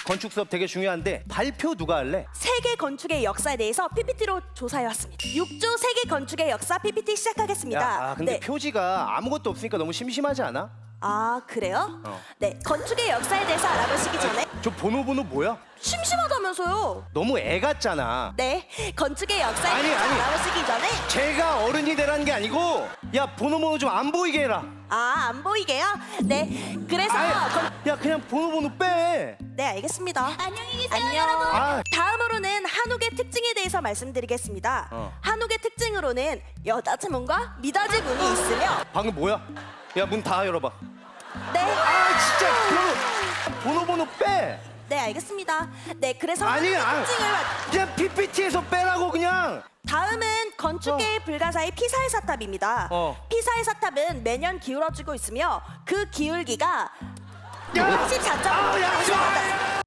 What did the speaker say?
건축 수업 되게 중요한데 발표 누가 할래? 세계 건축의 역사에 대해서 PPT로 조사해왔습니다. 6조 세계 건축의 역사 PPT 시작하겠습니다. 근데 네. 표지가 아무것도 없으니까 너무 심심하지 않아? 아, 그래요? 네, 건축의 역사에 대해서 알아보시기 전에 저 번호 뭐야? 심심하다면서요. 너무 애 같잖아. 네, 건축의 역사에 아니, 대해서 아니. 알아보시기 전에 제가 어른이 되라는 게 아니고 야 번호 좀 안 보이게 해라. 안 보이게요? 네, 그래서 야 그냥 번호 빼. 네, 알겠습니다. 안녕히 계세요, 안녕. 여러분. 아. 다음으로는 한옥의 특징에 대해서 말씀드리겠습니다. 한옥의 특징으로는 여자지문과 미닫이문이 있으며 방금 뭐야? 야 문 다 열어봐. 네, 진짜 번호 빼. 네, 알겠습니다. 네, 그래서 아니, 한옥의 특징을 그냥 PPT에서 빼라고 그냥. 다음은 건축계의 불가사의 피사의 사탑입니다. 피사의 사탑은 매년 기울어지고 있으며 그 기울기가 야! 34.5m. 야, 하지 마!